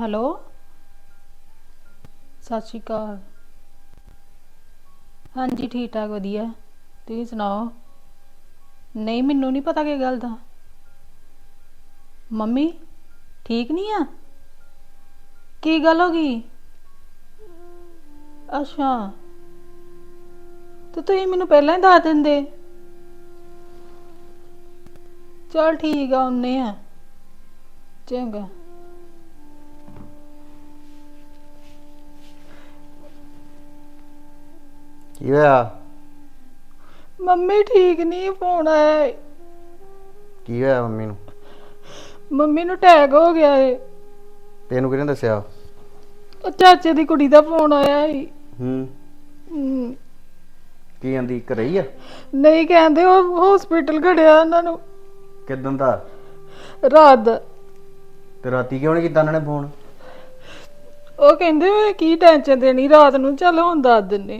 Hello ਸਤਿ ਸ਼੍ਰੀ ਅਕਾਲ। ਹਾਂਜੀ ਠੀਕ ਠਾਕ ਵਧੀਆ। ਤੁਸੀਂ ਸੁਣਾਓ? ਨਹੀਂ ਮੈਨੂੰ ਨਹੀਂ ਪਤਾ ਕੀ ਗੱਲ ਦਾ। ਮੰਮੀ ਠੀਕ ਨਹੀਂ ਆ? ਕੀ ਗੱਲ ਹੋ ਗਈ? ਅੱਛਾ ਤੇ ਤੁਸੀਂ ਮੈਨੂੰ ਪਹਿਲਾਂ ਹੀ ਦੱਸ ਦਿੰਦੇ। ਚਲ ਠੀਕ ਆ ਆਉਂਦੇ ਆ। ਚੰਗਾ। ਕੀ ਹੋਇਆ? ਮੰਮੀ ਠੀਕ ਨਹੀਂ ਫੋਨ ਆਇਆ ਏ। ਕੀ ਹੋਇਆ ਮੰਮੀ ਨੂੰ? ਮੰਮੀ ਨੂੰ ਅਟੈਕ ਹੋ ਗਿਆ ਏ। ਤੈਨੂੰ ਕਿਹਨੇ ਦੱਸਿਆ? ਉਹ ਚਾਚੇ ਦੀ ਕੁੜੀ ਦਾ ਫੋਨ ਆਇਆ ਏ। ਹੂੰ। ਹੂੰ। ਕੀ ਕਹਿੰਦੀ ਘਰੇ ਹੀ ਆ? ਨਹੀਂ ਕਹਿੰਦੇ ਉਹ ਹਸਪੀਟਲ ਖੜਿਆ ਉਹਨਾਂ ਨੂੰ। ਕਿੱਦਣ ਦਾ? ਰਾਤ ਦਾ। ਤੇ ਰਾਤੀ ਕਿਉਂ ਨਹੀਂ ਕੀਤਾ ਉਹਨਾਂ ਨੇ ਫੋਨ? ਉਹ ਕਹਿੰਦੇ ਕੀ ਟੈਨਸ਼ਨ ਦੇਣੀ ਰਾਤ ਨੂੰ, ਚੱਲ ਹੁਣ ਦੱਸ ਦਿੰਨੇ।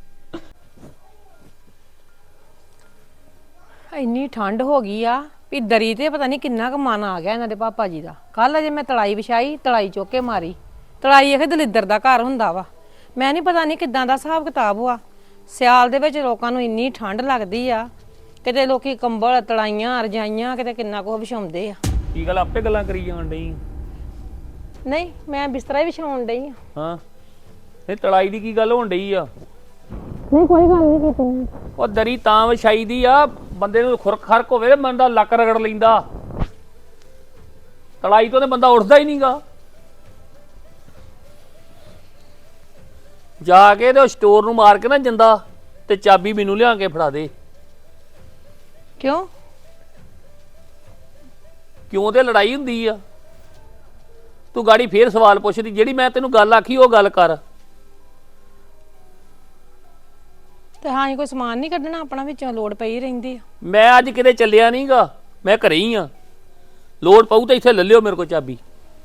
ਇੰਨੀ ਠੰਡ ਹੋ ਗਈ ਆ ਵੀ ਦਰੀ ਤੇ ਪਤਾ ਨਹੀਂ ਕਿੰਨਾ ਕੁ ਮਨ ਆ ਗਿਆ ਇਹਨਾਂ ਦੇ ਪਾਪਾ ਜੀ ਦਾ। ਕੱਲ ਅਜੇ ਮੈਂ ਤਲਾਈ ਵਿਛਾਈ, ਤਲਾਈ ਚੁੱਕ ਕੇ ਮਾਰੀ। ਤਲਾਈ ਇਹ ਦਲਿੱਦਰ ਦਾ ਘਰ ਹੁੰਦਾ ਵਾ। ਮੈਂ ਨਹੀਂ ਪਤਾ ਨਹੀਂ ਕਿੱਦਾਂ ਦਾ ਹਿਸਾਬ ਕਿਤਾਬ ਵਾ। ਸਿਆਲ ਦੇ ਵਿੱਚ ਲੋਕਾਂ ਨੂੰ ਇੰਨੀ ਠੰਡ ਲੱਗਦੀ ਆ, ਕਿਤੇ ਲੋਕੀ ਕੰਬਲ ਤਲਾਈਆਂ ਰਜਾਈਆਂ ਕਿਤੇ ਕਿੰਨਾ ਕੁ ਵਿਛਾਉਂਦੇ ਆ। ਕੀ ਗੱਲ ਆਪੇ ਗੱਲਾਂ ਕਰੀ ਜਾਣ ਡਈ? ਨਹੀਂ ਮੈਂ ਬਿਸਤਰਾ ਹੀ ਵਿਛਾਉਣ ਡਈ ਆ। ਹਾਂ ਇਹ ਤੜਾਈ ਦੀ ਕੀ ਗੱਲ ਹੋਣ ਡਈ ਆ? ਨਹੀਂ ਕੋਈ ਗੱਲ ਨਹੀਂ ਕੀਤੀ। ਉਹ ਦਰੀ ਤਾਂ ਵਿਛਾਈ ਦੀ ਆ ਬੰਦੇ ਨੂੰ ਖੁਰਕ ਖਰਕ ਹੋਵੇ ਤੇ ਬੰਦਾ ਲੱਕ ਰਗੜ ਲੈਂਦਾ। ਤੜਾਈ ਤੋਂ ਤੇ ਬੰਦਾ ਉੱਠਦਾ ਹੀ ਨਹੀਂਗਾ। ਜਾ ਕੇ ਤੇ ਸਟੋਰ ਨੂੰ ਮਾਰ ਕੇ ਨਾ ਜਿੰਦਾ ਤੇ ਚਾਬੀ ਮੈਨੂੰ ਲਿਆ ਕੇ ਫੜਾ ਦੇ। ਕਿਉਂ? ਕਿਉਂ ਤੇ ਲੜਾਈ ਹੁੰਦੀ ਆ। ਤੂੰ ਗਾੜੀ ਫੇਰ ਸਵਾਲ ਪੁੱਛਦੀ, ਜਿਹੜੀ ਮੈਂ ਤੈਨੂੰ ਗੱਲ ਆਖੀ ਉਹ ਗੱਲ ਕਰ। ਤੇ ਹਾਂ ਕੋਈ ਸਮਾਨ ਨਹੀਂ ਕੱਢਣਾ ਆਪਣਾ, ਵਿੱਚੋਂ ਲੋੜ ਪਈ ਰਹਿੰਦੀ ਆ। ਮੈਂ ਅੱਜ ਕਿਤੇ ਚੱਲਿਆ ਨਹੀਂਗਾ, ਮੈਂ ਘਰੇ ਹੀ ਆ। ਲੋੜ ਪਊ ਤਾਂ ਇੱਥੇ ਲੈ ਲਿਓ ਮੇਰੇ ਕੋਲ ਚਾਬੀ।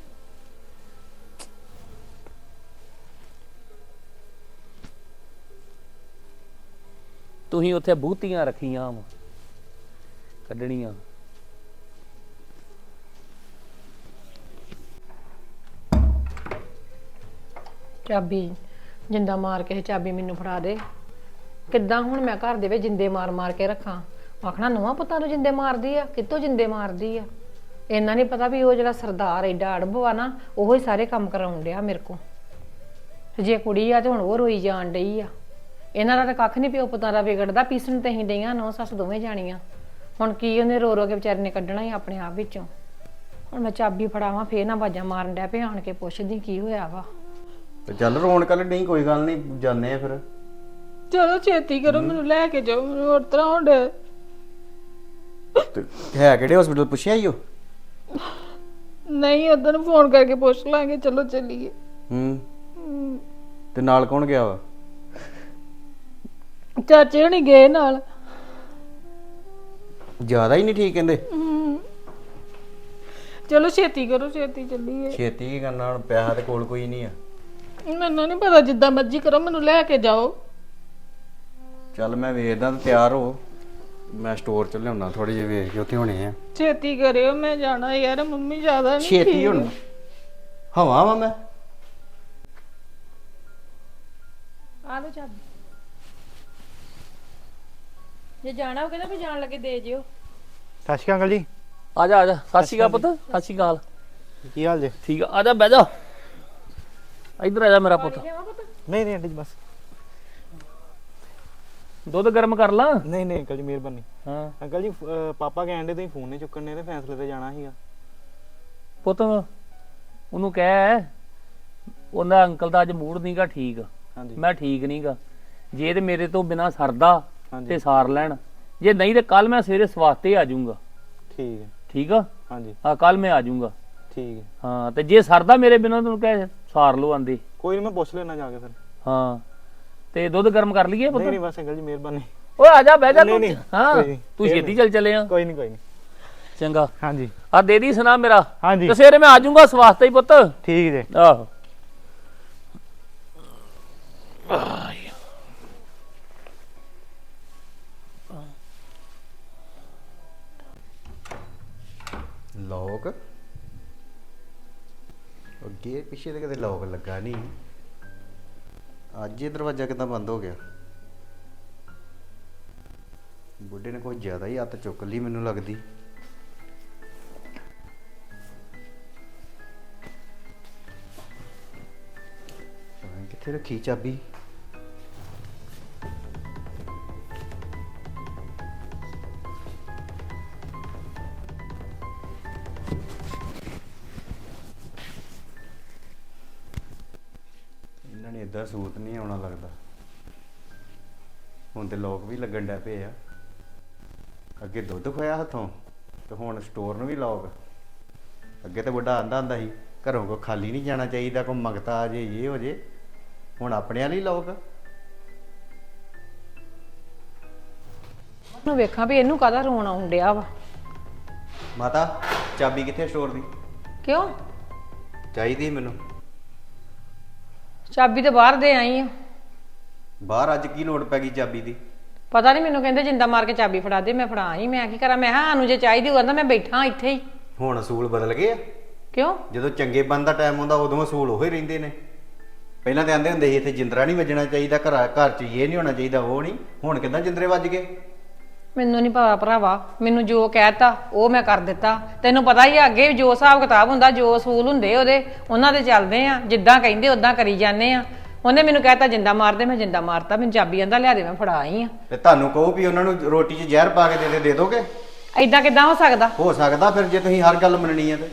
ਤੁਸੀਂ ਉੱਥੇ ਬੂਤੀਆਂ ਰੱਖੀਆਂ ਵਾ ਕੱਢਣੀਆਂ। ਚਾਬੀ ਜਿੰਦਾ ਮਾਰ ਕੇ ਚਾਬੀ ਮੈਨੂੰ ਫੜਾ ਦੇ। ਕਿੱਦਾਂ ਹੁਣ ਮੈਂ ਘਰ ਦੇ ਵਿੱਚ ਜਿੰਦੇ ਮਾਰ ਮਾਰ ਕੇ ਰੱਖਾਂ? ਆਖਣਾ ਨੂੰਹਾਂ ਪੁੱਤਾਂ ਨੂੰ ਜਿੰਦੇ ਮਾਰਦੀ ਆ, ਕਿੱਥੋਂ ਜਿੰਦੇ ਮਾਰਦੀ ਆ। ਇੰਨਾ ਨਹੀਂ ਪਤਾ ਵੀ ਉਹ ਜਿਹੜਾ ਸਰਦਾਰ ਐਡਾ ਅੜਬ ਆ ਨਾ, ਉਹੋ ਹੀ ਸਾਰੇ ਕੰਮ ਕਰਾਉਣ ਡਿਆ ਮੇਰੇ ਕੋਲ। ਤੇ ਜੇ ਕੁੜੀ ਆ ਤੇ ਹੁਣ ਉਹ ਰੋਈ ਜਾਣ ਡਈ ਆ। ਇਹਨਾਂ ਦਾ ਤਾਂ ਕੱਖ ਨਹੀਂ ਪਿਓ ਪੁੱਤਾਂ ਦਾ ਵਿਗੜਦਾ। ਪੀਸਣ ਤੇ ਅਸੀਂ ਡਈਆਂ ਨੌ ਸੱਸ ਦੋਵੇਂ ਜਾਣੀਆਂ। ਹੁਣ ਕੀ ਉਹਨੇ ਰੋ ਰੋ ਕੇ ਵਿਚਾਰੇ ਨੇ ਕੱਢਣਾ ਹੀ ਆਪਣੇ ਆਪ ਵਿੱਚੋਂ। ਹੁਣ ਮੈਂ ਚਾਬੀ ਫੜਾਵਾਂ ਫੇਰ ਨਾ ਬਾਜਾਂ ਮਾਰਨ ਡਿਆ ਪਿਆ। ਆਣ ਕੇ ਪੁੱਛਦੀ ਕੀ ਹੋਇਆ ਵਾ। ਤੇ ਚੱਲ ਰੋਣ ਕੱਲ ਨਹੀਂ, ਕੋਈ ਗੱਲ ਨਹੀਂ, ਜਾਂਦੇ ਆ ਫਿਰ। ਚਲੋ ਛੇਤੀ ਕਰੋ, ਮੈਨੂੰ ਲੈ ਕੇ ਜਾਓ। ਮੈਨੂੰ ਹੋਰ ਤਰ੍ਹਾਂ ਹੋਣ ਡਿਆ। ਤੇ ਹੈ ਕਿਹੜੇ ਹਸਪੀਟਲ ਪੁੱਛਿਆ ਈ ਉਹ? ਨਹੀਂ ਉਦੋਂ ਨੂੰ ਫੋਨ ਕਰਕੇ ਪੁੱਛ ਲਾਂਗੇ। ਚਲੋ ਚੱਲੀਏ। ਹੂੰ। ਤੇ ਨਾਲ ਕੌਣ ਗਿਆ ਵਾ? ਚਾਚੇ ਹੁਣੀ ਗਏ ਨਾਲ। ਜ਼ਿਆਦਾ ਹੀ ਨਹੀਂ ਠੀਕ ਕਹਿੰਦੇ? ਚਲੋ ਛੇਤੀ ਕਰੋ, ਛੇਤੀ ਚੱਲੀਏ। ਛੇਤੀ ਕੀ ਕਰਨਾ ਹੁਣ, ਪੈਸਾ ਤੇ ਕੋਲ ਕੋਈ ਨਹੀਂ ਆ। ਮੈਨੂੰ ਨਹੀਂ ਪਤਾ, ਜਿੱਦਾਂ ਮਰਜ਼ੀ ਕਰੋ, ਮੈਨੂੰ ਲੈ ਕੇ ਜਾਓ। ਚੱਲ ਮੈਂ ਵੇਖਦਾ ਤੇ ਤਿਆਰ ਹੋ। ਮੈਂ ਸਟੋਰ ਚ ਲਿਆਉਣਾ ਥੋੜੇ ਜਿਹੇ ਵੇਖ ਕੇ, ਉੱਥੇ ਹੋਣੇ ਆ। ਛੇਤੀ ਕਰਿਓ, ਮੈਂ ਜਾਣਾ ਯਾਰ। ਮੰਮੀ ਜ਼ਿਆਦਾ ਨਹੀਂ ਛੇਤੀ ਹੁਣ ਹਵਾ ਵਾ ਮੈਂ। ਆ ਲੋ ਚਾਬੀ। ਜੇ ਜਾਣਾ ਹੋਵੇ ਤਾਂ ਵੀ ਜਾਣ ਲੱਗੇ ਦੇ ਜਿਓ। ਸਤਿ ਸ਼੍ਰੀ ਅਕਾਲ ਜੀ। ਆ ਜਾ ਆ ਜਾ। ਸਤਿ ਸ਼੍ਰੀ ਅਕਾਲ ਪੁੱਤ। ਸਤਿ ਸ਼੍ਰੀ ਅਕਾਲ। ਕੀ ਹਾਲ ਜੇ? ਠੀਕ ਆ, ਆ ਜਾ ਬਹਿ ਜਾ। ਇੱਧਰ ਆ ਜਾ ਮੇਰਾ ਪੁੱਤ। ਨਹੀਂ ਨਹੀਂ ਆਂਟੀ ਜੀ ਬਸ। ਦੁੱਧ ਗਰਮ ਕਰ ਲਾਂ? ਨਹੀਂ ਨਹੀਂ ਅੰਕਲ ਜੀ ਮਿਹਰਬਾਨੀ। ਹਾਂ ਅੰਕਲ ਜੀ ਪਾਪਾ ਕਹਿੰਦੇ ਤੁਸੀਂ ਫੋਨ ਨਹੀਂ ਚੁੱਕਣ ਨੇ ਤੇ ਫੈਸਲੇ ਤੇ ਜਾਣਾ ਸੀਗਾ। ਪੁੱਤ ਉਹਨੂੰ ਕਹਿ, ਉਹਨਾਂ ਅੰਕਲ ਦਾ ਅੱਜ ਮੂਡ ਨਹੀਂਗਾ ਠੀਕ। ਹਾਂਜੀ ਮੈਂ ਠੀਕ ਨਹੀਂਗਾ। ਜੇ ਤੇ ਮੇਰੇ ਤੋਂ ਬਿਨਾ ਸਰਦਾ ਹਾਂਜੀ ਤੇ ਸਾਰ ਲੈਣ, ਜੇ ਨਹੀਂ ਤੇ ਕੱਲ ਮੈਂ ਸਵੇਰੇ ਸਵਾਤੇ ਆ ਜਾਊਂਗਾ। ਠੀਕ ਹੈ। ਠੀਕ ਆ? ਹਾਂਜੀ ਹਾਂ ਕੱਲ ਮੈਂ ਆ ਜਾਊਂਗਾ। ਠੀਕ ਹੈ। ਹਾਂ ਤੇ ਜੇ ਸਰਦਾ ਮੇਰੇ ਬਿਨਾ ਤੈਨੂੰ ਕਹਿ ਸਾਰ ਲਓ ਆਂਦੇ। ਕੋਈ ਨਹੀਂ ਮੈਂ ਪੁੱਛ ਲੈਣਾ ਜਾ ਕੇ ਫਿਰ। ਹਾਂ ਤੇ ਦੁੱਧ ਗਰਮ ਕਰ ਲਈਏ ਪੁੱਤ? ਨਹੀਂ ਨਹੀਂ ਬਸ ਅੰਕਲ ਜੀ ਮਿਹਰਬਾਨੀ। ਓਏ ਆ ਜਾ ਬਹਿ ਜਾ ਨਹੀਂ, ਤੂੰ। ਨਹੀਂ, ਹਾਂ ਕੋਈ ਨਹੀਂ, ਤੂੰ ਛੇਤੀ ਚੱਲ ਚਲੇ ਆ। ਕੋਈ ਨਹੀਂ ਕੋਈ ਨਹੀਂ। ਚੰਗਾ ਹਾਂਜੀ ਆ ਦੇ ਦੀ ਸੁਣਾ ਮੇਰਾ। ਹਾਂਜੀ ਤੇ ਸਵੇਰੇ ਮੈਂ ਆ ਜਾਊਂਗਾ ਸਵਾਸਤੇ ਹੀ ਪੁੱਤ। ਠੀਕ ਜੇ। ਆਹੋ ਲੋਕ ਅੱਗੇ ਪਿੱਛੇ ਤੇ ਕਦੇ ਲੋਕ ਲੱਗਾ ਨਹੀਂ। ਅੱਜ ਇਹ ਦਰਵਾਜ਼ਾ ਕਿੱਦਾਂ ਬੰਦ ਹੋ ਗਿਆ? ਬੁੱਢੇ ਨੇ ਕੋਈ ਜ਼ਿਆਦਾ ਹੀ ਹੱਥ ਚੁੱਕ ਲਈ ਮੈਨੂੰ ਲੱਗਦੀ। ਕਿੱਥੇ ਰੱਖੀ ਚਾਬੀ? ਇਹਨਾਂ ਨੇ ਇਦਾਂ ਸੂਤ ਨਹੀਂ ਆਉਣਾ ਲੱਗਦਾ। ਹੁਣ ਤੇ ਲੋਕ ਵੀ ਲੱਗਣ ਡੈ ਪਏ ਆ। ਅੱਗੇ ਦੁੱਧ ਖੋਇਆ ਹੱਥੋਂ ਤੇ ਹੁਣ ਸਟੋਰ ਨੂੰ ਵੀ ਲੋਕ। ਅੱਗੇ ਤੇ ਵੱਡਾ ਆਂਦਾ ਹੁੰਦਾ ਸੀ ਘਰੋਂ ਕੋ ਖਾਲੀ ਨਹੀਂ ਜਾਣਾ ਚਾਹੀਦਾ, ਕੋਈ ਮੰਗਤਾ ਆ ਜੇ ਇਹ ਹੋ ਜੇ। ਹੁਣ ਆਪਣੇ ਵਾਲੀ ਲੋਕ। ਨੂੰ ਵੇਖਾਂ ਵੀ ਇਹਨੂੰ ਕਾਹਦਾ ਰੋਣ ਆਉਣ ਡਿਆ ਵਾ। ਮਾਤਾ ਚਾਬੀ ਕਿੱਥੇ ਸਟੋਰ ਦੀ? ਕਿਉਂ? ਚਾਹੀਦੀ ਮੈਨੂੰ। ਚਾਬੀ ਤੇ ਬਾਹਰ ਦੇ ਆਈ ਆ। ਬਾਹਰ ਅੱਜ ਕੀ ਲੋੜ ਪੈ ਗਈ ਚਾਬੀ ਦੀ? ਪਤਾ ਨਹੀਂ, ਮੈਨੂੰ ਕਹਿੰਦੇ ਜਿੰਦਾ ਮਾਰ ਕੇ ਚਾਬੀ ਫੜਾ ਦੇ। ਮੈਂ ਫੜਾ ਆਈ। ਮੈਂ ਕੀ ਕਰਾਂ? ਮੈਂ ਕਿਹਾ ਸਾਨੂੰ ਜੇ ਚਾਹੀਦੀ ਹੋਊ ਕਹਿੰਦਾ ਮੈਂ ਬੈਠਾ ਇੱਥੇ ਹੀ। ਹੁਣ ਅਸੂਲ ਬਦਲ ਗਏ ਆ। ਕਿਉਂ? ਜਦੋਂ ਚੰਗੇ ਬੰਦ ਦਾ ਟਾਈਮ ਆਉਂਦਾ ਉਦੋਂ ਅਸੂਲ ਉਹੀ ਰਹਿੰਦੇ ਨੇ। ਪਹਿਲਾਂ ਤੇ ਆਂਦੇ ਹੁੰਦੇ ਸੀ ਇੱਥੇ ਜਿੰਦਰਾ ਨਹੀਂ ਵੱਜਣਾ ਚਾਹੀਦਾ, ਘਰ 'ਚ ਇਹ ਨਹੀਂ ਹੋਣਾ ਚਾਹੀਦਾ, ਉਹ ਨਹੀਂ। ਹੁਣ ਕਿੱਦਾਂ ਜਿੰਦਰੇ ਵੱਜ ਗਏ? ਮੈਨੂੰ ਨਹੀਂ ਪਤਾ ਭਰਾਵਾ, ਮੈਨੂੰ ਜੋ ਕਹਿਤਾ ਉਹ ਮੈਂ ਕਰ ਦਿੱਤਾ। ਤੈਨੂੰ ਪਤਾ ਹੀ ਆ ਅੱਗੇ ਜੋ ਹਿਸਾਬ ਕਿਤਾਬ ਹੁੰਦਾ, ਜੋ ਅਸੂਲ ਹੁੰਦੇ ਉਹਦੇ, ਉਹਨਾਂ ਦੇ ਚੱਲਦੇ ਆ। ਜਿੱਦਾਂ ਕਹਿੰਦੇ ਉਦਾਂ ਕਰੀ ਜਾਂਦੇ ਆ। ਉਹਨੇ ਮੈਨੂੰ ਕਹਿਤਾ ਜਿੰਦਾ ਮਾਰਦੇ, ਮੈਂ ਜਿੰਦਾ ਮਾਰਤਾ। ਮੈਨੂੰ ਚਾਬੀ ਆਂਦਾ ਲਿਆ ਦੇ, ਮੈਂ ਫੜਾ ਆਈ ਆ। ਤੇ ਤੁਹਾਨੂੰ ਕਹੋ ਵੀ ਉਹਨਾਂ ਨੂੰ ਰੋਟੀ 'ਚ ਜ਼ਹਿਰ ਪਾ ਕੇ ਦੇ ਦੋਗੇ? ਐਦਾਂ ਕਿੱਦਾਂ ਹੋ ਸਕਦਾ? ਹੋ ਸਕਦਾ ਫਿਰ, ਜੇ ਤੁਸੀਂ ਹਰ ਗੱਲ ਮੰਨਣੀ ਹੈ ਤੇ।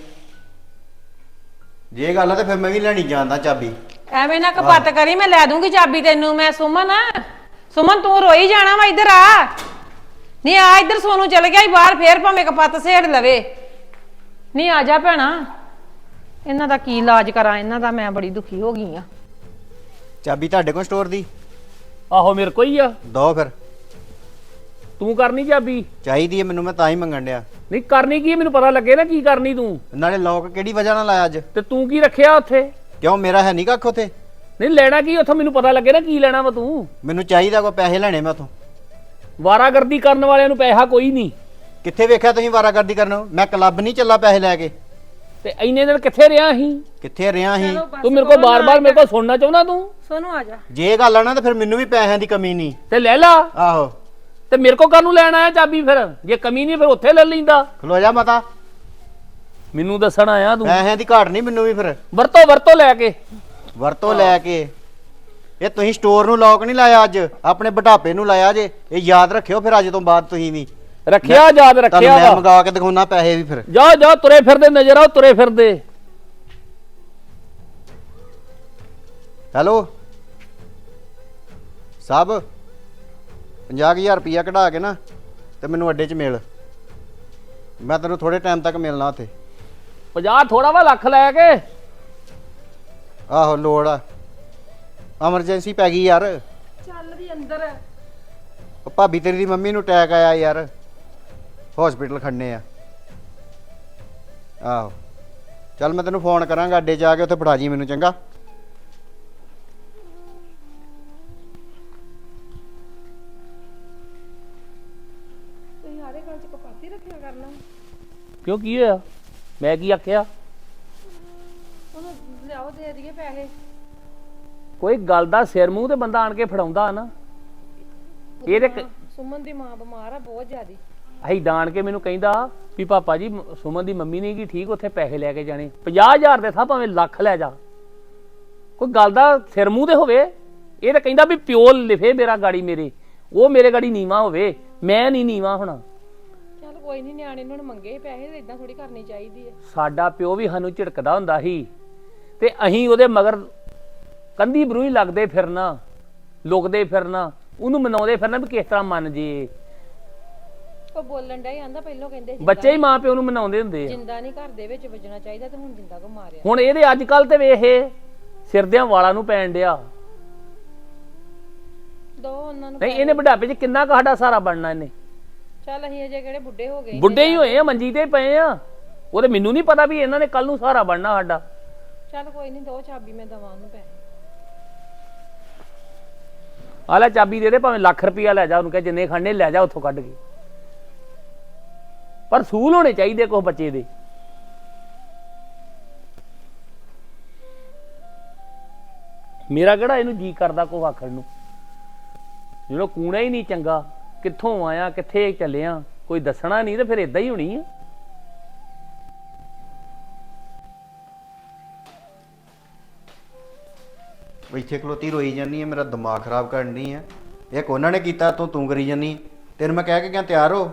ਜੇ ਇਹ ਗੱਲ ਆ ਤੇ ਫਿਰ ਮੈਂ ਵੀ ਲੈਣੀ ਜਾਂਦਾ ਚਾਬੀ। ਐਵੇਂ ਨਾ ਕਪੱਤ ਕਰੀ, ਮੈਂ ਲੈ ਦੂੰਗੀ ਚਾਬੀ ਤੈਨੂੰ। ਮੈਂ ਸੁਮਨ ਤੂੰ ਰੋਈ ਜਾਣਾ ਵਾ। ਇੱਧਰ ਆ ਨਹੀਂ, ਆ ਇੱਧਰ। ਸੋਨੂੰ ਚਲ ਗਿਆ ਹੀ ਬਾਹਰ, ਫੇਰ ਭਾਵੇਂ ਕਪੱਤ ਸੇੜ ਲਵੇ। ਨਹੀਂ ਆ ਜਾ ਭੈਣਾ, ਇਹਨਾਂ ਦਾ ਕੀ ਇਲਾਜ ਕਰਾਂ ਇਹਨਾਂ ਦਾ। ਮੈਂ ਬੜੀ ਦੁਖੀ ਹੋ ਗਈ ਆ। ਚਾਬੀ ਤੁਹਾਡੇ ਕੋਲ ਸਟੋਰ ਦੀ? ਆਹੋ ਮੇਰੇ ਕੋਈ ਆ। ਦੋ ਫਿਰ। ਤੂੰ ਕਰਨੀ ਚਾਬੀ? ਚਾਹੀਦੀ ਹੈ ਮੈਨੂੰ, ਮੈਂ ਤਾਂ ਹੀ ਮੰਗਣ ਡਿਆ। ਨਹੀਂ ਕਰਨੀ ਕੀ ਹੈ, ਮੈਨੂੰ ਪਤਾ ਲੱਗੇ ਨਾ ਕੀ ਕਰਨੀ ਤੂੰ। ਨਾਲੇ ਲੋਕ ਕਿਹੜੀ ਵਜ੍ਹਾ ਨਾਲ ਲਾਇਆ ਅੱਜ? ਤੇ ਤੂੰ ਕੀ ਰੱਖਿਆ ਉੱਥੇ? ਕਿਉਂ, ਮੇਰਾ ਹੈ ਨਹੀਂ ਕੱਖ ਉੱਥੇ? ਨਹੀਂ ਲੈਣਾ ਕੀ ਉੱਥੋਂ, ਮੈਨੂੰ ਪਤਾ ਲੱਗੇ ਨਾ ਕੀ ਲੈਣਾ ਵਾ ਤੂੰ। ਮੈਨੂੰ ਚਾਹੀਦਾ, ਕੋਈ ਪੈਸੇ ਲੈਣੇ ਮੈਂ ਉੱਥੋਂ। ਵਾਰਾਗਰਦੀ ਕਰਨ ਵਾਲਿਆਂ ਨੂੰ ਪੈਸਾ ਕੋਈ ਨਹੀਂ। ਕਿੱਥੇ ਵੇਖਿਆ ਤੁਸੀਂ ਵਾਰਾਗਰਦੀ ਕਰਨ? ਮੈਂ ਕਲੱਬ ਨਹੀਂ ਚੱਲਾ ਪੈਸੇ ਲੈ ਕੇ। ਤੇ ਇੰਨੇ ਦਿਨ ਕਿੱਥੇ ਰਿਹਾ ਸੀ? ਕਿੱਥੇ ਰਿਹਾ ਸੀ? ਤੂੰ ਮੇਰੇ ਕੋਲ ਬਾਰ-ਬਾਰ ਮੇਰੇ ਕੋਲ ਸੁਣਨਾ ਚਾਹੁੰਦਾ ਤੂੰ? ਸੋਨੂੰ ਆ ਜਾ। ਜੇ ਇਹ ਗੱਲ ਆ ਨਾ ਤਾਂ ਫਿਰ ਮੈਨੂੰ ਵੀ ਪੈਸਿਆਂ ਦੀ ਕਮੀ ਨਹੀਂ। ਤੇ ਲੈ ਲਾ। ਆਹੋ ਤੇ ਮੇਰੇ ਕੋਲ ਕਾਹਨੂੰ ਲੈਣ ਆਇਆ ਚਾਬੀ ਫਿਰ? ਜੇ ਕਮੀ ਨਹੀਂ ਫਿਰ ਉੱਥੇ ਲੈ ਲੈਂਦਾ। ਖਲੋ ਜਾ ਮਾਤਾ, ਮੈਨੂੰ ਦੱਸਣ ਆਇਆ ਤੂੰ? ਪੈਸਿਆਂ ਦੀ ਘਾਟ ਨਹੀਂ ਮੈਨੂੰ ਵੀ ਫਿਰ। ਵਰਤੋਂ ਲੈ ਕੇ। ਵਰਤੋਂ ਲੈ ਕੇ। ਇਹ ਤੁਸੀਂ ਸਟੋਰ ਨੂੰ ਲੋਕ ਨਹੀਂ ਲਾਇਆ ਅੱਜ, ਆਪਣੇ ਬੁਢਾਪੇ ਨੂੰ ਲਾਇਆ ਜੇ। ਇਹ ਯਾਦ ਰੱਖਿਓ ਫਿਰ ਅੱਜ ਤੋਂ ਬਾਅਦ ਤੁਸੀਂ ਵੀ। ਰੱਖਿਆ, ਯਾਦ ਰੱਖਿਆ ਤੁਹਾਨੂੰ ਮੈਂ ਵਾ। ਮੰਗਾ ਕੇ ਦਿਖਾਉਣਾ ਪੈਸੇ ਵੀ ਫਿਰ। ਜਾ ਤੁਰੇ ਫਿਰਦੇ ਨਜ਼ਰ ਆਓ, ਤੁਰੇ ਫਿਰਦੇ। ਹੈਲੋ ਸਾਹਿਬ, 50,000 ਰੁਪਇਆ ਕਢਾ ਕੇ ਨਾ ਤੇ ਮੈਨੂੰ ਅੱਡੇ 'ਚ ਮਿਲ। ਮੈਂ ਤੈਨੂੰ ਥੋੜੇ ਟਾਈਮ ਤੱਕ ਮਿਲਣਾ ਉੱਥੇ। 50 ਥੋੜਾ ਵਾ, ਲੱਖ ਲੈ ਕੇ। ਆਹੋ ਲੋੜ ਆ, ਐਮਰਜੈਂਸੀ ਪੈ ਗਈ ਯਾਰ। ਚੱਲ ਵੀ ਅੰਦਰ। ਉਹ ਭਾਬੀ ਤੇਰੀ ਦੀ ਮੰਮੀ ਨੂੰ ਅਟੈਕ ਆਇਆ ਯਾਰ, ਹਸਪੀਟਲ ਖੜਨੇ ਆ। ਆਹੋ ਚੱਲ ਮੈਂ ਤੈਨੂੰ ਫੋਨ ਕਰਾਂਗਾ, ਅੱਡੇ 'ਚ ਆ ਕੇ ਉੱਥੇ ਫੜਾ ਜੀ ਮੈਨੂੰ, ਚੰਗਾ? ਤੁਸੀਂ ਹਾਰੇ ਗੱਲ ਚ ਕਪਾਤੀ ਰੱਖਿਆ ਕਰਨਾ। ਕਿਉਂ, ਕੀ ਹੋਇਆ? ਮੈਂ ਕੀ ਆਖਿਆ? ਉਹਨੂੰ ਲਿਆਓ, ਦੇ ਦਈਏ ਪੈਸੇ। ਕੋਈ ਗੱਲ ਦਾ ਸਿਰ ਮੂੰਹ ਤੇ ਬੰਦਾ ਆਣ ਕੇ ਫੜਾਉਂਦਾ ਨਾ। ਇਹ ਤੇ ਸੁਮਨ ਦੀ ਮਾਂ ਬਿਮਾਰ ਆ ਬਹੁਤ ਜ਼ਿਆਦੀ। ਅਸੀਂ ਦਾਣ ਕੇ ਮੈਨੂੰ ਕਹਿੰਦਾ ਵੀ ਪਾਪਾ ਜੀ ਸੁਮਨ ਦੀ ਮੰਮੀ ਨਹੀਂ ਗੀ ਠੀਕ, ਉੱਥੇ ਪੈਸੇ ਲੈ ਕੇ ਜਾਣੇ। 50,000 ਦੇ ਥਾਂ ਭਾਵੇਂ ਲੱਖ ਲੈ ਜਾ। ਕੋਈ ਗੱਲ ਦਾ ਸਿਰ ਮੂੰਹ ਤੇ ਹੋਵੇ। ਇਹ ਤਾਂ ਕਹਿੰਦਾ ਵੀ ਪਿਓ ਲਿਖੇ ਮੇਰਾ ਗਾੜੀ, ਮੇਰੇ ਉਹ ਮੇਰੇ ਗਾੜੀ ਨੀਵਾ ਹੋਵੇ, ਮੈਂ ਨਹੀਂ ਨੀਵਾ ਹੋਣਾ। ਚੱਲ ਕੋਈ ਨਹੀਂ, ਨਿਆਣੇ ਨੂੰ ਮੰਗੇ ਪੈਸੇ, ਇਦਾਂ ਥੋੜੀ ਕਰਨੀ ਚਾਹੀਦੀ ਹੈ। ਸਾਡਾ ਪਿਓ ਵੀ ਸਾਨੂੰ ਝਿੜਕਦਾ ਹੁੰਦਾ ਸੀ ਤੇ ਅਸੀਂ ਉਹਦੇ ਮਗਰ ਕੰਧੀ ਬਰੂ ਹੀ ਲੱਗਦੇ ਫਿਰਨਾ, ਲੁਕਦੇ ਫਿਰਨਾ, ਉਹਨੂੰ ਮਨਾਉਂਦੇ ਫਿਰਨਾ ਵੀ ਕਿਸ ਤਰ੍ਹਾਂ ਮੰਨ ਜੇ। ਉਹ ਬੋਲਣ ਡਿਆ ਆਂਦਾ ਪਹਿਲਾਂ ਕਹਿੰਦੇ ਬੱਚੇ ਹੀ ਮਾਂ ਪਿਓ ਨੂੰ ਮਨਾਉਂਦੇ ਹੁੰਦੇ ਆ। ਜਿੰਦਾ ਨਹੀਂ ਘਰ ਦੇ ਵਿੱਚ ਵੱਜਣਾ ਚਾਹੀਦਾ, ਤੇ ਹੁਣ ਜਿੰਦਾ ਕੋ ਮਾਰਿਆ। ਹੁਣ ਇਹਦੇ ਅੱਜ ਕੱਲ ਤੇ ਵੇਖ ਸਿਰ ਦਿਆਂ ਵਾਲਾਂ ਨੂੰ ਪੈਣ ਡਿਆ। ਦੋ ਉਹਨਾਂ ਨੂੰ ਨਹੀਂ ਇਹਨੇ ਬੁਢਾਪੇ 'ਚ ਕਿੰਨਾ ਕੁ ਸਾਡਾ ਸਹਾਰਾ ਬਣਨਾ ਇਹਨੇ। ਚੱਲ ਅਸੀਂ ਅਜੇ ਕਿਹੜੇ ਬੁੱਢੇ ਹੋ ਗਏ? ਬੁੱਢੇ ਹੀ ਹੋਏ ਆ, ਮੰਜੀ ਤੇ ਪਏ ਆ। ਉਹ ਤੇ ਮੈਨੂੰ ਨਹੀਂ ਪਤਾ ਵੀ ਇਹਨਾਂ ਨੇ ਕੱਲ ਨੂੰ ਸਹਾਰਾ ਬਣਨਾ ਸਾਡਾ। ਚੱਲ ਕੋਈ ਨਹੀਂ, ਦੋ ਚਾਬੀ ਮੈਂ ਦਵਾਂ ਉਹਨੂੰ ਪੈਸੇ। ਆ ਲੈ ਚਾਬੀ ਦੇ ਦੇ, ਭਾਵੇਂ ਲੱਖ ਰੁਪਇਆ ਲੈ ਜਾ, ਉਹਨੂੰ ਕਹੇ ਜਿੰਨੇ ਖੜਨੇ ਲੈ ਜਾ ਉੱਥੋਂ ਕੱਢ ਕੇ। ਪਰ ਸੂਲ ਹੋਣੇ ਚਾਹੀਦੇ ਕੁਝ ਬੱਚੇ ਦੇ। ਮੇਰਾ ਕਿਹੜਾ ਇਹਨੂੰ ਜੀ ਕਰਦਾ ਕੋ ਆਖਣ ਨੂੰ, ਜਦੋਂ ਕੂਣਾ ਹੀ ਨਹੀਂ ਚੰਗਾ, ਕਿੱਥੋਂ ਆਇਆ ਕਿੱਥੇ ਚੱਲਿਆ ਕੋਈ ਦੱਸਣਾ ਨਹੀਂ ਤੇ ਫਿਰ ਇਦਾਂ ਹੀ ਹੋਣੀ ਆ। ਇੱਥੇ ਖਲੋਤੀ ਰੋਈ ਜਾਂਦੀ ਹੈ, ਮੇਰਾ ਦਿਮਾਗ ਖਰਾਬ ਕਰਨ ਡਈ ਆ। ਇੱਕ ਉਹਨਾਂ ਨੇ ਕੀਤਾ ਤੂੰ ਕਰੀ ਜਾਂਦੀ। ਤੈਨੂੰ ਮੈਂ ਕਹਿ ਕੇ ਗਿਆ ਤਿਆਰ ਹੋ।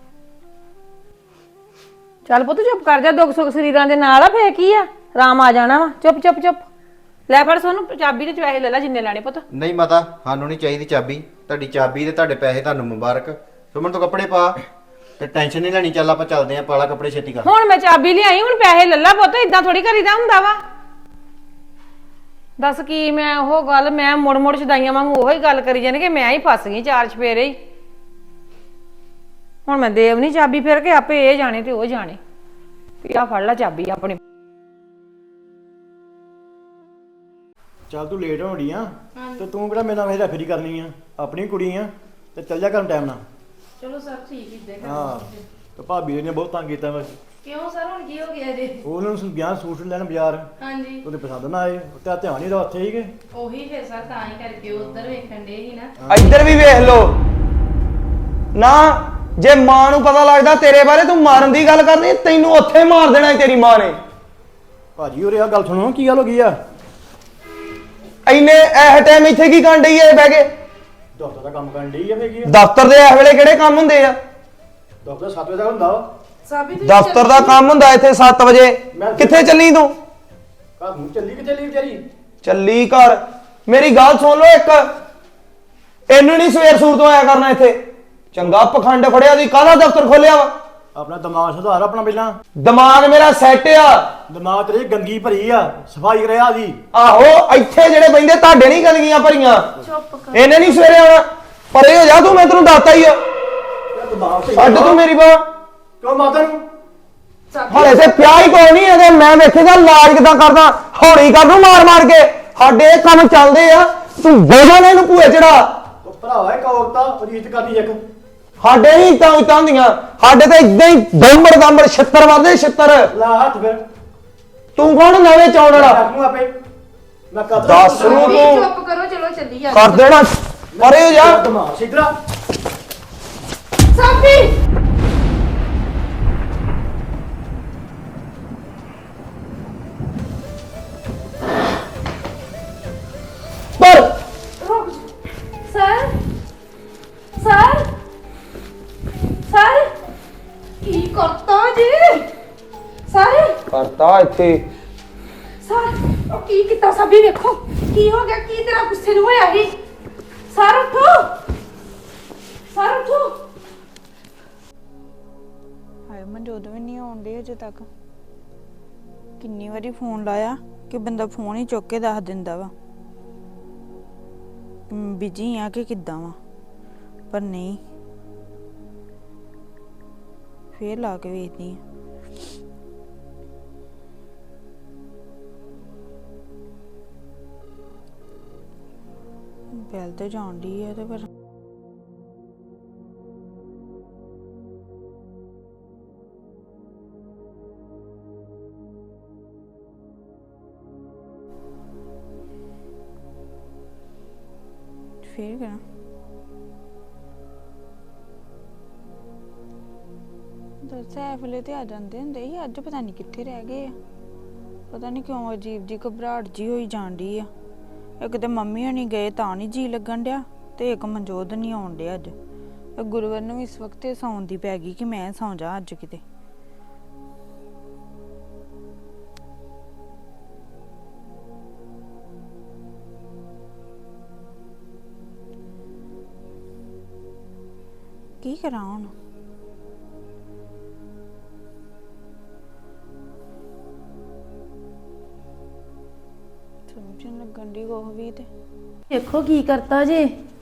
ਚੱਲ ਪੁੱਤ ਚੁੱਪ ਕਰ ਜਾ, ਦੁੱਖ ਸੁੱਖ ਸਰੀਰਾਂ ਦੇ ਨਾਲ ਆ, ਫੇਰ ਕੀ ਆ, ਆਰਾਮ ਆ ਜਾਣਾ ਵਾ। ਚੁੱਪ ਚੁੱਪ ਚੁੱਪ। ਲੈ ਫੜ ਸੋਨੂੰ ਚਾਬੀ ਤੇ ਪੈਸੇ ਲੈ ਲੈ ਜਿੰਨੇ ਲੈਣੇ ਪੁੱਤ। ਨਹੀਂ ਮਾਤਾ, ਸਾਨੂੰ ਨਹੀਂ ਚਾਹੀਦੀ ਚਾਬੀ। ਤੁਹਾਡੀ ਚਾਬੀ ਤੇ ਤੁਹਾਡੇ ਪੈਸੇ ਤੁਹਾਨੂੰ ਮੁਬਾਰਕ। ਸੁਮਨ ਤੂੰ ਕੱਪੜੇ ਪਾ ਤੇ ਟੈਨਸ਼ਨ ਨਹੀਂ ਲੈਣੀ। ਚੱਲ ਆਪਾਂ ਚੱਲਦੇ ਆਂ, ਪਾਲਾ ਕੱਪੜੇ ਛੇਤੀ ਕਰ। ਹੁਣ ਮੈਂ ਚਾਬੀ ਲਿਆਈ, ਹੁਣ ਪੈਸੇ ਲੈ ਲੈ ਪੁੱਤ, ਇਦਾਂ ਥੋੜੀ ਕਰੀਦਾ ਹੁੰਦਾ ਵਾ। ਦੱਸ ਕੀ ਮੈਂ ਉਹ ਗੱਲ, ਮੈਂ ਮੁੜ ਮੁੜ ਛਦਾਈਆਂ ਵਾਂਗੂ ਉਹੀ ਗੱਲ ਕਰੀ ਜਾਣੀ ਕਿ ਮੈਂ ਹੀ ਫਸ ਗਈ ਚਾਰ ਚਫੇਰੇ ਹੀ। ਹੁਣ ਮੈਂ ਦੇਵ ਨਹੀਂ ਚਾਬੀ, ਫਿਰ ਕੇ ਆਪੇ ਇਹ ਜਾਣੇ ਤੇ ਉਹ ਜਾਣੇ। ਤੇ ਆ ਫੜ ਲੈ ਚਾਬੀ ਆਪਣੀ। ਚੱਲ ਤੂੰ ਲੇਟ ਹੋਣੀ ਆ ਤੇ ਤੂੰ ਕਿਹੜਾ ਮੇਰੇ ਨਾਲ ਵੇਰਾ ਫੇਰੀ ਕਰਨੀ ਆ, ਆਪਣੀ ਕੁੜੀ ਆ ਤੇ ਚੱਲ ਜਾ ਕਰਨ ਟਾਈਮ ਨਾਲ। ਚਲੋ ਸਰ ਠੀਕ ਹੀ ਦੇ ਹਾਂ ਤੇ ਭਾਬੀ ਨੇ ਬਹੁਤ ਤੰਗ ਕੀਤਾ ਵਾ। ਕਿਉਂ ਸਰ ਹੁਣ ਕੀ ਹੋ ਗਿਆ ਜੀ? ਉਹਨਾਂ ਨੂੰ ਗਿਆ ਸੂਟ ਲੈਣ ਬਾਜ਼ਾਰ, ਹਾਂਜੀ ਉਹਦੇ ਪਸੰਦ ਨਾ ਆਏ ਤੇ ਧਿਆਨ ਹੀ ਦਾ ਉੱਥੇ ਹੀ ਕਿ ਉਹੀ ਫਿਰ ਸਰ ਤਾਂ ਹੀ ਕਰਕੇ ਉਧਰ ਵੇਖਣ ਦੇ ਹੀ ਨਾ। ਇੱਧਰ ਵੀ ਵੇਖ ਲੋ ਨਾ, ਜੇ ਮਾਂ ਨੂੰ ਪਤਾ ਲੱਗਦਾ ਤੇਰੇ ਬਾਰੇ ਤੂੰ ਮਾਰਨ ਦੀ ਗੱਲ ਕਰਨੀ, ਤੈਨੂੰ ਉੱਥੇ ਮਾਰ ਦੇਣਾ ਸੀ ਤੇਰੀ ਮਾਂ ਨੇ। ਭਾਜੀ ਉਰੇ ਆ ਗੱਲ ਸੁਣੋ, ਕੀ ਗੱਲ ਹੋ ਗਈ ਆ? ਐਨੇ ਇਹ ਟਾਈਮ ਇੱਥੇ ਕੀ ਕਰਨ ਡਈ ਐ ਬਹਿ ਕੇ? ਦਫ਼ਤਰ ਦਾ ਕੰਮ ਕਰਨ ਡਈ ਆ, ਫੇਰ ਕੀ ਆ? ਦਫ਼ਤਰ ਦੇ ਇਸ ਵੇਲੇ ਕਿਹੜੇ ਕੰਮ ਹੁੰਦੇ ਆ? ਦਫ਼ਤਰ 7 ਵਜੇ ਤੱਕ ਹੁੰਦਾ ਵਾ। ਦਫ਼ਤਰ ਦਾ ਕੰਮ ਹੁੰਦਾ ਇੱਥੇ 7 ਵਜੇ। ਕਿੱਥੇ ਚੱਲੀ ਤੂੰ? ਘਰ ਨੂੰ ਚੱਲੀ ਕਿ ਚੱਲੀ ਵਿਚਾਰੀ? ਚੱਲੀ ਘਰ। ਮੇਰੀ ਗੱਲ ਸੁਣ ਲਓ ਇੱਕ, ਇਹਨੂੰ ਨਹੀਂ ਸਵੇਰ ਸੂਰ ਤੋਂ ਆਇਆ ਕਰਨਾ ਇੱਥੇ। ਚੰਗਾ ਪਖੰਡ ਫੜਿਆ ਦੀ, ਕਾਹਦਾ ਦਫ਼ਤਰ ਖੋਲਿਆ ਵਾ? ਆਪਣਾ ਦਿਮਾਗ ਸੁਧਾਰ ਆਪਣਾ ਪਹਿਲਾਂ। ਦਿਮਾਗ ਮੇਰਾ ਸੈੱਟ ਆ। ਦਿਮਾਗ ਤੇਰੀ ਗੰਗੀ ਭਰੀ ਆ, ਸਫਾਈ ਕਰਿਆ ਦੀ। ਆਹੋ ਇੱਥੇ ਜਿਹੜੇ ਬੈਂਦੇ ਤੁਹਾਡੇ ਨਹੀਂ ਗੰਦਗੀਆਂ ਭਰੀਆਂ। ਇਹਨੇ ਨਹੀਂ ਸਵੇਰੇ ਆਉਣਾ। ਪਰੇ ਹੋ ਜਾ ਤੂੰ, ਮੈਂ ਤੈਨੂੰ ਦੱਸਤਾ ਹੀ ਆ। ਦਿਮਾਗ ਸਹੀ ਛੱਡ ਤੂੰ ਮੇਰੀ ਬਾਂਹ। ਕਿਉਂ ਮਾਤਾ ਨੂੰ? ਹਲੇ ਤੇ ਪਿਆ ਹੀ ਕੋਈ ਨਹੀਂ ਇਹਦੇ। ਮੈਂ ਵੇਖੇਗਾ ਇਲਾਜ ਕਿਦਾਂ ਕਰਦਾ, ਹੌਲੀ ਕਰ ਦੂੰ ਮਾਰ ਮਾਰ ਕੇ। ਸਾਡੇ ਇਹ ਕੰਮ ਚੱਲਦੇ ਆ, ਤੂੰ ਬੋਝਾ ਨਾ ਇਹਨੂੰ ਭੂਏ ਚੜਾ। ਉਹ ਭਰਾਵਾ ਇੱਕ ਔਰਤ ਆ, ਉਹਦੀ ਇੱਜ਼ਤ ਕਰਦੀ ਇੱਕ। ਸਾਡੇ ਨਹੀਂ ਤਾਂ ਉਤਾਂ ਹੁੰਦੀਆਂ, ਸਾਡੇ ਤੇ ਇਦਾਂ ਹੀ ਦੰਬੜ ਦੰਬੜ ਛਿੱਤਰ ਵੱਧਦੇ ਛਿੱਤਰ। ਲਾ ਹੱਥ ਫਿਰ। ਤੂੰ ਕੌਣ ਨਵੇਂ ਚੌਣ ਵਾਲਾ? ਰੱਖ ਨੂੰ ਆਪੇ ਮੈਂ ਕਰ ਦੱਸ ਨੂੰ ਤੂੰ ਚੁੱਪ ਕਰੋ, ਚਲੋ ਚੱਲੀ ਆ ਕਰ ਦੇਣਾ। ਪਰੇ ਹੋ ਜਾ। ਦਿਮਾਗ ਸਿੱਧਰਾ। ਸਾਬੀ ਪਰ ਸਰ ਸਰ ਸਰ ਕੀ ਕਰਤਾ ਜੀ? ਸਰ ਕਰਤਾ ਇੱਥੇ। ਸਰ ਉਹ ਕੀ ਕੀਤਾ? ਸਾਬੀ ਵੇਖੋ ਕੀ ਹੋ ਗਿਆ, ਕੀ ਤੇਰਾ ਗੁੱਸੇ ਨੂੰ ਹੋਇਆ ਸੀ? ਸਰ ਉੱਠੋ, ਸਰ ਉੱਠੋ। ਹਾਏ ਮਨਜੋਤ ਵੀ ਨਹੀਂ ਆਉਂਦੇ ਅਜੇ ਤੱਕ। ਕਿੰਨੀ ਵਾਰੀ ਫੋਨ ਲਾਇਆ ਕਿ ਬੰਦਾ ਫੋਨ ਹੀ ਚੁੱਕ ਕੇ ਦੱਸ ਦਿੰਦਾ ਵਾ ਬਿਜੀ ਆ ਕਿ ਕਿੱਦਾਂ ਵਾ, ਪਰ ਨਹੀਂ। ਫੇਰ ਲਾ ਕੇ ਵੇਖਦੀ ਆ। ਬੈਲ ਤੇ ਜਾਣ ਡਈ ਆ ਤੇ ਪਰ ਫੇਰ ਕਰਾਂ। ਦੱਸ ਐ ਵੇਲੇ ਤੇ ਆ ਜਾਂਦੇ ਹੁੰਦੇ ਸੀ, ਅੱਜ ਪਤਾ ਨਹੀਂ ਕਿੱਥੇ ਰਹਿ ਗਏ ਆ। ਪਤਾ ਨਹੀਂ ਕਿਉਂ ਅਜੀਬ ਜੀ ਘਬਰਾਹਟ ਜੀ ਹੋਈ ਜਾਂਦੀ ਆ। ਇੱਕ ਤੇ ਮੰਮੀ ਹਣੀ ਗਏ ਤਾਂ ਨਹੀਂ ਜੀ ਲੱਗਣ ਡਿਆ, ਤੇ ਇੱਕ ਮਨਜੋਤ ਨਹੀਂ ਆਉਣ ਡਿਆ ਅੱਜ। ਗੁਰੂਵਰ ਨੂੰ ਇਸ ਵਕਤ ਸੌਣ ਦੀ ਪੈ ਗਈ ਕਿ ਮੈਂ ਸੌਂ ਜਾ ਅੱਜ ਕਿਤੇ। ਕੀ ਕਰਾਂ ਹੁਣ? ਸਮਝਣ ਲੱਗਣ ਦੀ ਉਹ ਵੀ ਤੇ ਦੇਖੋ ਕੀ ਕਰਤਾ ਜੇ।